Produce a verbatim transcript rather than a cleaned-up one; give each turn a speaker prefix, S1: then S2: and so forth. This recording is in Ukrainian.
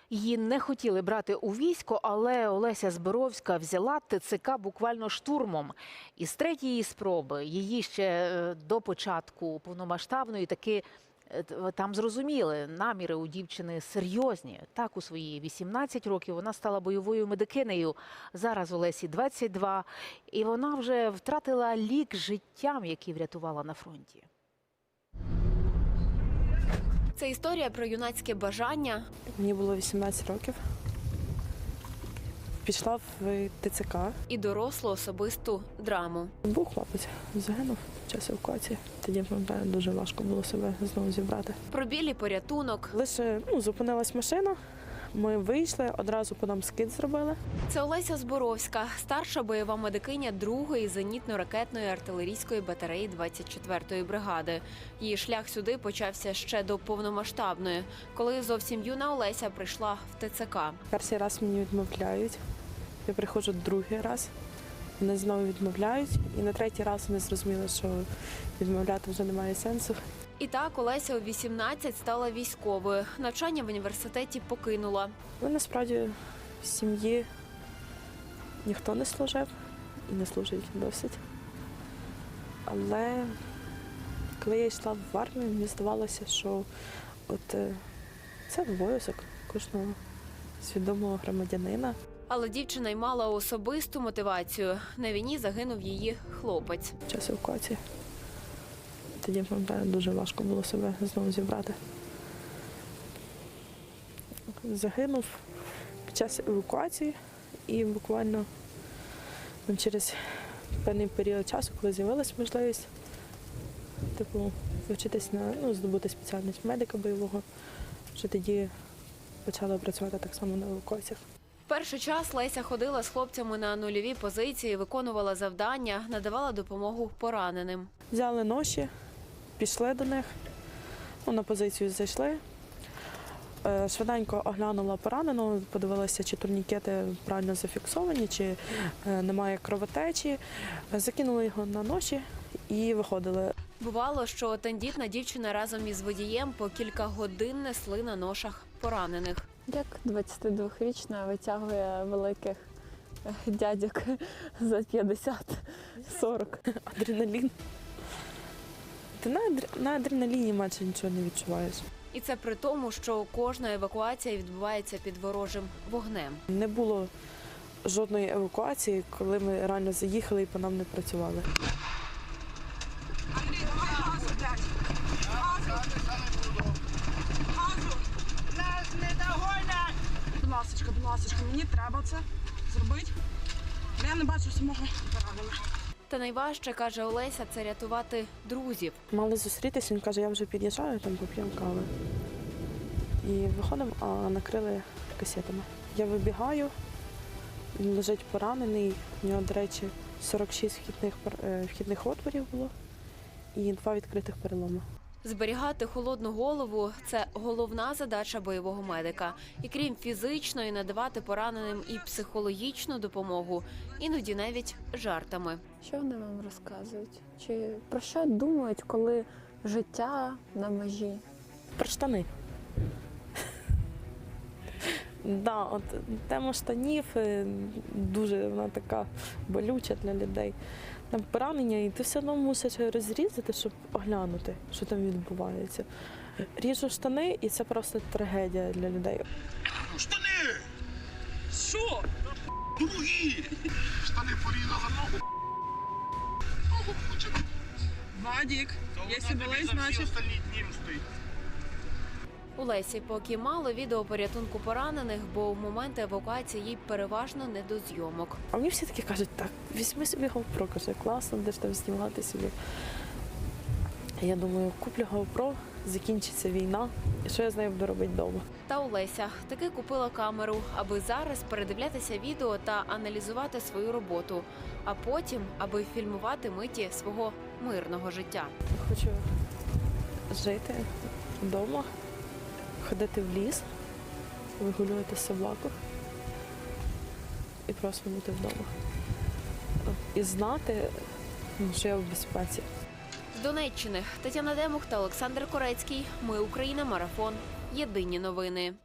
S1: Її не хотіли брати у військо, але Олеся Зборовська взяла ТЦК буквально штурмом. І з третьої спроби її ще до початку повномасштабної таки там зрозуміли, наміри у дівчини серйозні. Так, у свої вісімнадцять років вона стала бойовою медикинею. Зараз Олесі двадцять два, і вона вже втратила лік життям, які врятувала на фронті.
S2: Це історія про юнацьке бажання.
S3: Мені було вісімнадцять років. Пішла в ТЦК.
S2: І дорослу особисту драму.
S3: Був хлопець, загинув в час евакуації. Тоді, пам'ятаю, дуже важко було себе знову зібрати.
S2: Про біль і порятунок.
S3: Лише ну, зупинилась машина, ми вийшли, одразу по нам скид зробили.
S2: Це Олеся Зборовська, старша бойова медикиня другої зенітно-ракетної артилерійської батареї двадцять четвертої бригади. Її шлях сюди почався ще до повномасштабної, коли зовсім юна Олеся прийшла в ТЦК.
S3: Перший раз мені відмовляють, я приходжу другий раз, вони знову відмовляють, і на третій раз вони зрозуміли, що відмовляти вже немає сенсу.
S2: І так Олеся у вісімнадцять стала військовою. Навчання в університеті покинула.
S3: Але насправді в сім'ї ніхто не служив і не служить досить. Але коли я йшла в армію, мені здавалося, що от це обов'язок кожного свідомого громадянина.
S2: Але дівчина й мала особисту мотивацію. На війні загинув її хлопець.
S3: В час евакуації. Тоді, пам'ятаю, дуже важко було себе знову зібрати. Загинув під час евакуації і буквально через певний період часу, коли з'явилася можливість типу, вчитись на ну, здобути спеціальність медика бойового, вже тоді почала працювати так само на евакуаціях.
S2: Перший час Леся ходила з хлопцями на нульові позиції, виконувала завдання, надавала допомогу пораненим.
S3: Взяли ноші, пішли до них, ну, на позицію зайшли. Швиденько оглянула поранену, подивилася, чи турнікети правильно зафіксовані, чи немає кровотечі. Закинули його на ноші і виходили.
S2: Бувало, що тендітна дівчина разом із водієм по кілька годин несли на ношах поранених.
S4: Як двадцятидвохрічна витягує великих дядьок за п'ятдесят-сорок.
S3: Адреналін. Ти на, на адреналіні майже нічого не відчуваєш.
S2: І це при тому, що кожна евакуація відбувається під ворожим вогнем.
S3: Не було жодної евакуації, коли ми реально заїхали і по нам не працювали.
S5: Андрій, давай газу, блядь! Газу! Газу! Нас не догонять! Будь ласочка, будь ласочка, мені треба це зробити. Я не бачу самого пораненого.
S2: Та найважче, каже Олеся, це рятувати друзів.
S3: Мали зустрітися, він каже, я вже під'їжджаю, там поп'ємо кави. І виходимо, а накрили касетами. Я вибігаю, він лежить поранений, у нього, до речі, сорок шість вхідних, вхідних отворів було і два відкритих переломи.
S2: Зберігати холодну голову – це головна задача бойового медика. І крім фізичної, надавати пораненим і психологічну допомогу, іноді навіть жартами.
S4: Що вони вам розказують? Чи про що думають, коли життя на межі?
S3: Про штани. Да, от тема штанів дуже вона така болюча для людей. Там поранення, і ти все одно мусиш розрізати, щоб оглянути, що там відбувається. Ріжу штани, і це просто трагедія для людей.
S6: Штани!
S5: Що?
S6: Другі! Штани порізали ногу. Ногу включили.
S5: Вадік, якщо
S6: Вона тобі
S5: болить,
S6: за всі
S5: значить...
S6: остальні дні мстить.
S2: У Лесі поки мало відео порятунку поранених, бо в момент евакуації їй переважно не до зйомок.
S3: А мені всі таки кажуть, так, візьми собі GoPro, каже, класно, де ж там знімати собі. Я думаю, куплю GoPro, закінчиться війна, і що я з нею буду робити вдома.
S2: Та Олеся таки купила камеру, аби зараз передивлятися відео та аналізувати свою роботу, а потім, аби фільмувати миті свого мирного життя.
S3: Я хочу жити вдома, ходити в ліс, вигулювати собаку і просто бути вдома. І знати, що я в безпеці.
S2: З Донеччини Тетяна Демух та Олександр Корецький. Ми Україна. Марафон. Єдині новини.